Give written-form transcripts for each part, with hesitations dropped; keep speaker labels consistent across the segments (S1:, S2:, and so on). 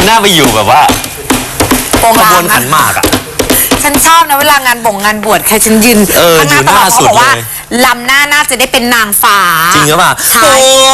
S1: น่าไปอยู่แบบว่าขบวนขันหมากอ่ะ
S2: ฉันชอบนะเวลางานงานบวชใครฉันยืนข้างหน้าตลอดเขาบอกว่าลำหน้าน่าจะได้เป็นนางฟ้า
S1: จริงหรือเปล่า
S2: ใช่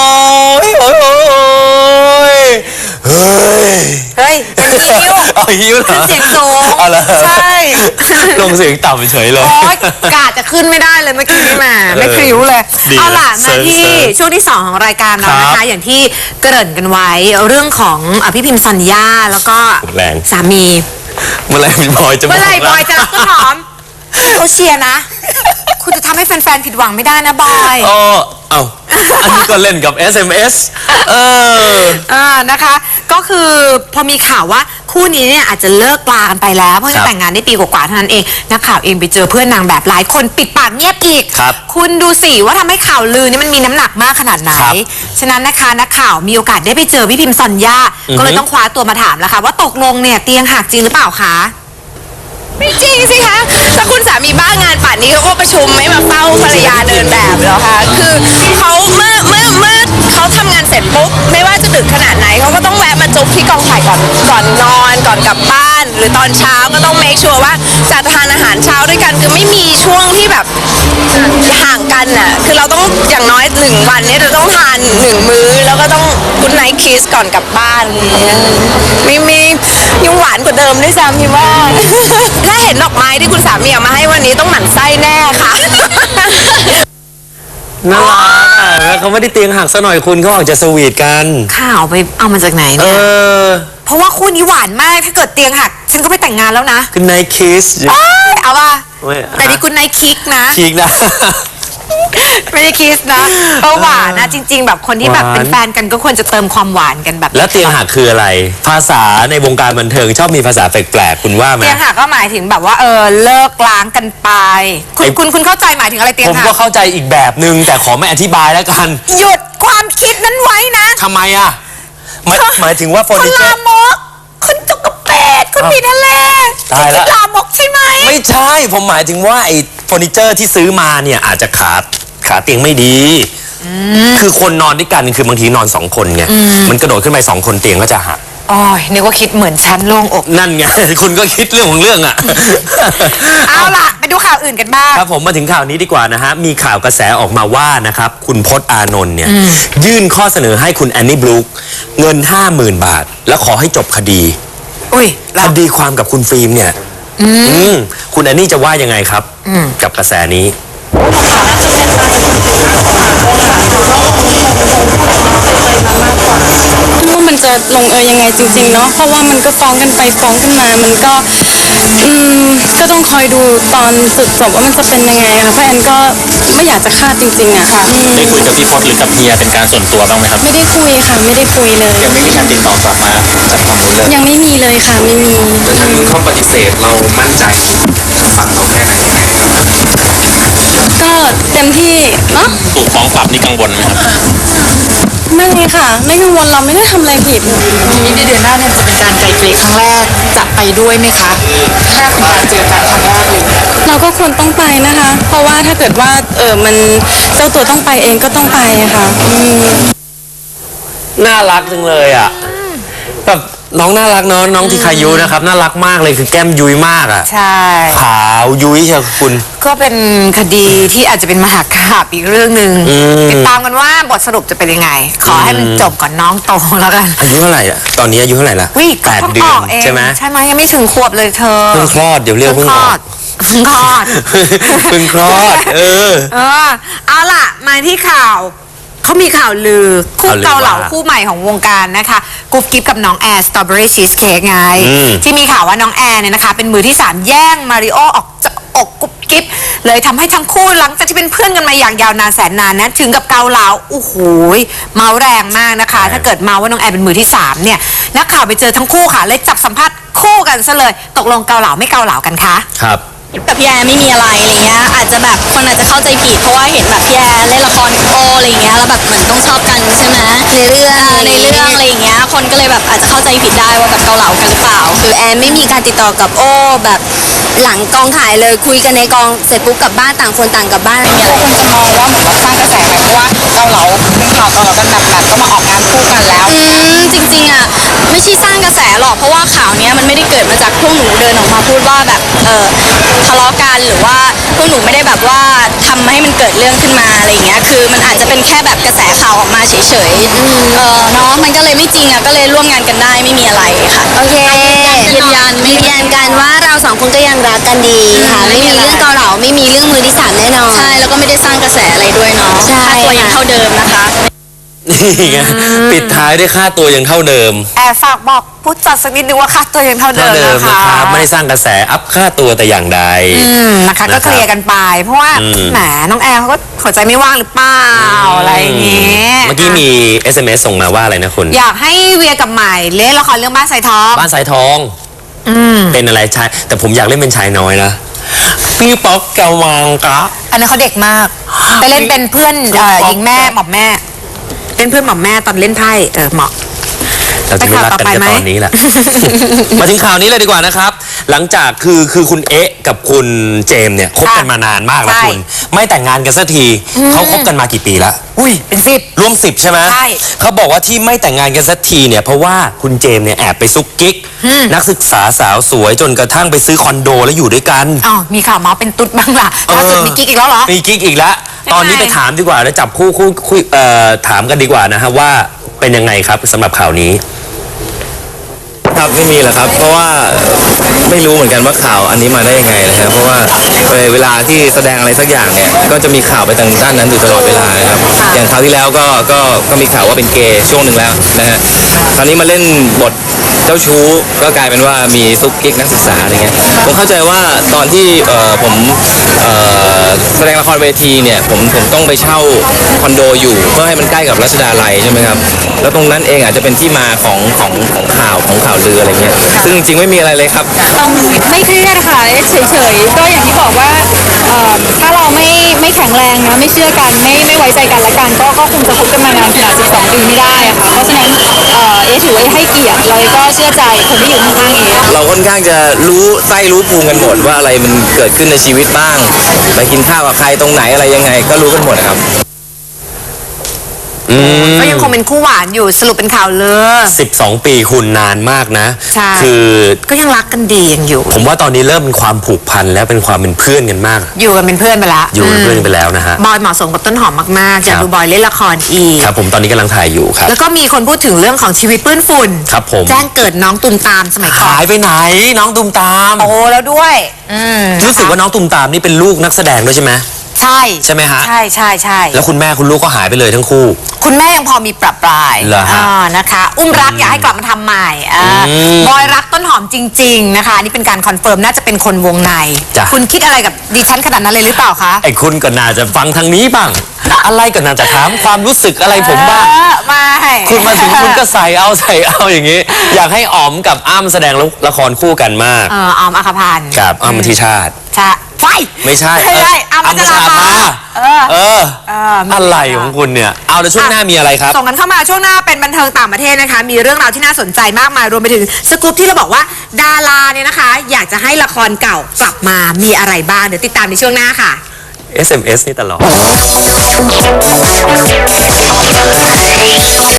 S2: เฮ้ยเป็นฮิ้ว
S1: ฮิ้วเหรอ
S2: เสียงสูงใช่
S1: ลงเสียงต่ำเฉยเลย
S2: โอ๊ยกาจะขึ้นไม่ได้เลยเมื่อกี้นี่มาไม่คริ้วเลยเอาล่ะมาที่ช่วงที่2ของรายการเรานะคะอย่างที่เกริ่นกันไว้เรื่องของพี่พิมพ์สัญญาแล้วก็สามี
S1: เมื่อไรบอยจะ
S2: รักต้นหอมเขาเชียร์นะคุณจะทำให้แฟนๆผิดหวังไม่ได้นะบอย
S1: เอาอันนี้ก็เล่นกับ SMS
S2: นะคะก็คือพอมีข่าวว่าคู่นี้เนี่ยอาจจะเลิกลากันไปแล้วเพราะแต่งงานได้ปีกว่าๆเท่านั้นเองนักข่าวเองไปเจอเพื่อนนางแบบหลายคนปิดปากเงียบอีกคุณดูสิว่าทำให้ข่าวลือนี่มันมีน้ำหนักมากขนาดไหนฉะนั้นนะคะนักข่าวมีโอกาสได้ไปเจอพี่พิมพ์สัญญาก็เลยต้องคว้าตัวมาถามแล้วค่ะว่าตกลงเนี่ยเตียงหักจริงหรือเปล่าคะ
S3: ไม่จริงสิคะถ้าคุณสามีบ้างานป่านนี้เขาก็ประชุมไม่มาเฝ้าภรรยาเดินแบบหรอคะคือเขาเมื่อเขาทำงานเสร็จปุ๊บไม่ว่าจะดึกขนาดไหนเขาก็ต้องแวะมาจุ๊บที่กองถ่ายก่อนนอนก่อนกลับบ้านหรือตอนเช้าก็ต้องเมคชัวร์ว่าจะทานอาหารเช้าด้วยกันคือไม่มีช่วงที่แบบห่างกันน่ะคือเราต้องอย่างน้อย1 วันนี้เราต้องทาน1 มื้อแล้วก็ต้องกุ๊ดไนท์คิสก่อนกลับบ้านไม่มียังหวานกว่าเดิมด้วยซ้ำพี่ว่าถ้าเห็นดอกไม้ที่คุณสามีเอามาให้วันนี้ต้องหมั่นไส้แน่ค่ะ
S1: น่ารักแล้วเขาไม่ได้เตียงหักซะหน่อยคุณเขาออกจะสวีทกัน
S2: ข่าวไปเอามาจากไหนเนี่ยเพราะว่าคู่นี้หวานมากถ้าเกิดเตียงหักฉันก็ไปแต่งงานแล้วนะ
S1: คุณไนท์คิส
S2: เอาป่ะแต่นี่คุณไนท์คิกนะไม่ได้คิสนะหวานนะจริงๆแบบคนที่แบบเป็นแฟนกันก็ควรจะเติมความหวานกันแบบ
S1: แล้วเตียงหักคืออะไรภาษาในวงการบันเทิงชอบมีภาษาแปลกๆคุณว่าไหม
S2: เตียงหักก็หมายถึงแบบว่าเลิกล้างกันไปคุณเข้าใจหมายถึงอะไรเตียงหัก
S1: ผมก็เข้าใจอีกแบบนึงแต่ขอไม่อธิบายแล้วกัน
S2: หยุดความคิดนั้นไว้นะ
S1: ทำไมอ่ะหมายถึงว่าเฟอร์นิเจอร์
S2: ลามกคุณจกกระเป็ดคุณมีทะเล
S1: ตายแล้ว
S2: ลามกใช่ไหม
S1: ไม่ใช่ผมหมายถึงว่าไอ้เฟอร์นิเจอร์ที่ซื้อมาเนี่ยอาจจะขาเตียงไม่ดีคือคนนอนด้วยกันคือบางทีนอน2 คนไงมันกระโดดขึ้นไป2 คนเตียงก็จะหัก
S2: อ๋อนึกว่าคิดเหมือนฉันโล่งอก
S1: นั่นไงคุณก็คิดเรื่องของเรื่องอ่ะ
S2: เอาล่ะไปดูข่าวอื่นกันบ้าง
S1: ครับผมมาถึงข่าวนี้ดีกว่านะฮะมีข่าวกระแสออกมาว่านะครับคุณพจน์อานนท์เนี่ยยื่นข้อเสนอให้คุณแอนนี่บลูคเงิน 50,000 บาทแล้วขอให้จบคดีคดีความกับคุณฟิล์มเนี่ยคุณแอนนี่จะว่ายังไงครับกับกระแสนี้
S4: ว่ามันจะลงยังไงจริงๆเนาะเพราะว่ามันก็ฟ้องกันไปฟ้องกันมามันก็ต้องคอยดูตอนสุดจบว่ามันจะเป็นยังไงค่ะเพราะแอนก็ไม่อยากจะคาดจริงๆอะค่ะ
S1: ได้คุยกับพี่พจน์หรือกับเฮียเป็นการส่วนตัวบ้างไหมครับ
S4: ไม่ได้คุยค่ะไม่ได้คุยเลย
S1: ยังไม่มีการติดต่อกลับมาจากฝั่งนู้นเลย
S4: ยังไม่มีเลยค่ะไม่มี
S1: แต่ทางนู้นเขาปฏิเสธเรามั่นใจฝั่งเราแค่ไหน
S4: ก็เต็มที่เนาะ
S1: ถูกฟ้องกลับนี่กังวลไหมครับ
S4: ไม่ค่ะไม่กังวลเราไม่ได้ทำอะไรผิด
S2: นี้ในเดือนหน้าเนี่ยจะเป็นการไกลเกลี่ยครั้งแรกจะไปด้วยไหมคะถ้าคุณเจอกันครั้งแรกเลย
S4: เราก็ควรต้องไปนะคะเพราะว่าถ้าเกิดว่ามันเจ้าตัวต้องไปเองก็ต้องไปค่ะ
S1: น่ารักจังเลยอ่ะแบบน้องน่ารักเนาะน้องที่คายุนะครับน่ารักมากเลยคือแก้มยุ้ยมากอ่ะ
S2: ใช่
S1: ขาวยุ้ยเชียวคุณ
S2: ก็เป็นคดีที่อาจจะเป็นมหากาพย์อีกเรื่องหนึ่งติดตามกันว่าบทสรุปจะเป็นยังไงขอให้มันจบก่อนน้องโตแล้วกัน
S1: อายุเท่าไหร่อ่ะตอนนี้อายุเท่าไหร่ละ8 เดือนใช่ไหม
S2: ใช่ไหมยังไม่ถึงขวบเลยเธอ
S1: เพิ่งคลอดเดี๋ยวเรียกเพิ่งคลอด
S2: เพิ่งคลอดเอาล่ะมาที่ข่าวเขามีข่าวลือคู่เกาเหลาคู่ใหม่ของวงการนะคะกุ๊บกิ๊บกับน้องแอร์สตรอเบอรี่ชีสเค้กไงที่มีข่าวว่าน้องแอร์เนี่ยนะคะเป็นมือที่3แย่งมาริโอออกจากอกกุ๊บกิ๊บเลยทำให้ทั้งคู่หลังจากที่เป็นเพื่อนกันมาอย่างยาวนานแสนนานนะถึงกับเกาเหลาโอ้โหเมาแรงมากนะคะถ้าเกิดเมาว่าน้องแอร์เป็นมือที่3เนี่ยนักข่าวไปเจอทั้งคู่ค่ะเลยจับสัมภาษณ์คู่กันซะเลยตกลงเกาเหลาไม่เกาเหลากันคะ
S1: ครับ
S4: กับพี่แอร์ไม่มีอะไรอะไรเงี้ยอาจจะแบบคนอาจจะเข้าใจผิดเพราะว่าเห็นแบบพี่แอร์เล่นละครกับโออะไรเงี้ยแล้วแบบเหมือนต้องชอบกันใช่ไหมในเรื่องอะไรอย่างเงี้ยคนก็เลยแบบอาจจะเข้าใจผิดได้ว่าแบบเกาเหลากันหรือเปล่าคือแอร์ไม่มีการติดต่อกับโอแบบหลังกองถ่ายเลยคุยกันในกองเสร็จปุ๊บกลับบ้านต่างคนต่างกลับบ้านอะไรเงี้ย
S3: คนจะมองว่าเหมือนว่าสร้างกระแสไหมเพราะว่าเกาเหลาเป็นข่าวเกาเหลากันแบบก็มาออกงานคู่กันแล้ว
S4: จริงๆอ่ะไม่ใช่สร้างกระแสหรอกเพราะว่าข่าวเนี้ยมันไม่ได้เกิดมาจากพวกหนูเดินออกมาพูดว่าแบบทะเลาะกันหรือว่าพวกหนูไม่ได้แบบว่าทำให้มันเกิดเรื่องขึ้นมาอะไรอย่างเงี้ยคือมันอาจจะเป็นแค่แบบกระแสข่าวออกมาเฉยๆเนาะมันก็เลยไม่จริงอ่ะก็เลยร่วมงานกันได้ไม่มีอะไรค่ะ
S5: โอเค
S4: ยืนยัน
S5: ยืนยันกันว่าเราสองคนก็ยังรักกันดีค่ะ ไม่มีเรื่องเกาเหลาไม่มีเรื่องมือที่สามแน่นอน
S4: ใช่แล้วก็ไม่ได้สร้างกระแสอะไรด้วยเนาะ
S5: ใช่
S4: ค่าตัวยังเท่าเดิมนะคะ
S1: นี่ไงปิดท้ายด้วยค่าตัวยังเท่าเดิม
S2: แอบฝากบอกผู้จัดสักนิดนึงว่าค่าตัวยังเท่าเดิ
S1: เท่าม เดิม
S2: นะ
S1: นะค
S2: คะ
S1: รับไม่ได้สร้างกระแสอัพค่าตัวแต่อย่างใด
S2: นะคะก็เคลียร์กันไป เพราะว่าแหมน้องแอร์เขาก็หัวใจไม่ว่างหรือเปล่าอะไรอย่างเงี้ย
S1: เมื่อกี้มี SMS ส่งมาว่าอะไรนะคุณ
S2: อยากให้เวียกับใหม่เล่นละครเรื่องบ้านสายทอง
S1: บ้านสายทองเป็นอะไรชายแต่ผมอยากเล่นเป็นชายน้อยนะพี่ป๊อกแกวมังกะ
S2: อันนั้นเขาเด็กมากไปเล่นเป็นเพื่อนหญิงแม่หม่อมแม่เป็นเพื่อนหม่อมแม่ตอนเล่นไพ่เหมาะ
S1: เราจะไม่รักกัน
S2: ไป
S1: แค่
S2: ข่าวต่อไปไหม
S1: ตอนนี้แหละ มาถึงข่าวนี้เลยดีกว่านะครับ หลังจากคือคุณเอ๊ะกับคุณเจมส์เนี่ยคบกันมานานมากแล้ว
S2: ใช่
S1: คุณ ไม่แต่งงานกันสักทีเขาคบกันมากี่ปีละ
S2: อุ้ยเป็น10
S1: รวม10ใช่ไหม
S2: ใช่
S1: เขาบอกว่าที่ไม่แต่งงานกันสักทีเนี่ยเพราะว่าคุณเจมส์เนี่ยแอบไปซุกกิ๊กนักศึกษาสาวสวยจนกระทั่งไปซื้อคอนโดแล้วอยู่ด้วยกัน
S2: อ๋อมีข่าวเมาส์เป็นตุ๊ดบ้างล่ะล่าสุดมีกิ๊กอีกแล้วเหรอ
S1: มีกิ๊กอีกแล้ว ตอนนี้ไปถามดีกว่าแล้วจับคู่คุยถามกันดีกว่านะฮะว่าเป็นยังไงครับสำหรับข่าวนี้
S6: ครับไม่มีหรอกครับ เพราะว่าไม่รู้เหมือนกันว่าข่าวอันนี้มาได้ยังไงนะครับเพราะว่าเวลาที่แสดงอะไรสักอย่างเนี่ยก็จะมีข่าวไปทางด้านนั้นอยู่ตลอดเวลานะครับอย่างคราวที่แล้วก็มีข่าวว่าเป็นเกย์ช่วงหนึ่งแล้วนะฮะคราวนี้มาเล่นบทเจ้าชู้ก็กลายเป็นว่ามีซุกกิ๊กนักศึกษาอะไรเงี้ยผมเข้าใจว่าตอนที่ผมแสดงละครเวทีเนี่ยผมต้องไปเช่าคอนโดอยู่เพื่อให้มันใกล้กับรัชดาลัยใช่ไหมครับแล้วตรงนั้นเองอาจจะเป็นที่มาของข่าวลืออะไรเงี้ยซึ่งจริงๆไม่มีอะไรเลยครับ
S4: ไม่เครียดค่ะเฉยๆก็อย่างที่บอกว่าถ้าเราไม่แข็งแรงนะไม่เชื่อกันไม่ไว้ใจกันและกันก็คงจะคบกันมานานขนาด12 ปีไม่ได้อะค่ะเพราะฉะนั้นเอถือว่าให้เกียรติเลยก็เชื่อใจคนที่อยู่ข้างๆเอ
S6: เราค่อนข้างจะรู้ไส้รู้ภูมิกันหมดว่าอะไรมันเกิดขึ้นในชีวิตบ้างไปกินข้าวกับใครตรงไหนอะไรยังไงก็รู้กันหมดนะครับ
S2: ก็ยังคงเป็นคู่หวานอยู่สรุปเป็นข่าวเลย
S1: 12 ปีคุณนานมากนะ
S2: ใช่
S1: คือ
S2: ก็ยังรักกันดียังอยู่
S1: ผมว่าตอนนี้เริ่มเป็นความผูกพันแล้วเป็นความเป็นเพื่อนกันมาก
S2: อยู่กันเป็นเพื่อนไปละ
S1: อยู่เป็นเพื่อนกันไปแล้วนะฮะ
S2: บอยเหมาะสมกับต้นหอมมากๆอยาก
S1: ครับ
S2: ดูบอยเล่นละครอีก
S1: ครับผมตอนนี้กำลังถ่ายอยู่ครับ
S2: แล้วก็มีคนพูดถึงเรื่องของชีวิตเปื้อนฝุ่น
S1: ครับผม
S2: แจ้งเกิดน้องตุมตามสมัยก่อน
S1: หายไปไหนน้องตุมตาม
S2: โตแล้วด้วย
S1: รู้สึกว่าน้องตุมตามนี่เป็นลูกนักแสดงด้วยใช่ไหม
S2: ใช่
S1: ใช่ไหมฮะ
S2: ใช่ใช่ใช่
S1: แล้วคุณแม่คุณลูกก็หายไปเลยทั้งคู่
S2: คุณแม่ยังพอมีปรับปราย
S1: เหรอฮะ
S2: นะคะ อุ้มรักอยากให้กลับมาทำใหม่บอยรักต้นหอมจริง ๆ นะคะ นี่เป็นการคอนเฟิร์มน่าจะเป็นคนวงใน
S1: จ้ะ
S2: คุณคิดอะไรกับดิฉันขนาดนั้นเลยหรือเปล่าคะ
S1: ไอ้คุณก็น่าจะฟังทางนี้บ้าง อะไรก็น่าจะถามความรู้สึกอะไรผมบ้าง
S2: ไม่
S1: คุณมาถึงคุณก็ใส่เอาอย่างนี้ อยากให้อ๋อมกับอ้ำแสดงละครคู่กันมาก
S2: ออมอัครพันธ์
S1: กับอ้ำธิชาติ
S2: ใช่ไฟ
S1: ไม่ใช่
S2: ไม่ใช่อ้ำพัชราภาเออ
S1: อะไรของคุณเนี่ย เอาแล้วช่วงหน้ามีอะไรครับ
S2: ส่งกันเข้ามาช่วงหน้าเป็นบันเทิงต่างประเทศนะคะ มีเรื่องราวที่น่าสนใจมากมายรวมไปถึงสกู๊ปที่เราบอกว่าดาราเนี่ยนะคะ อยากจะให้ละครเก่ากลับมามีอะไรบ้างเดี๋ยวติดตามในช่วงหน้าค่ะ
S1: SMS นี่ตลอด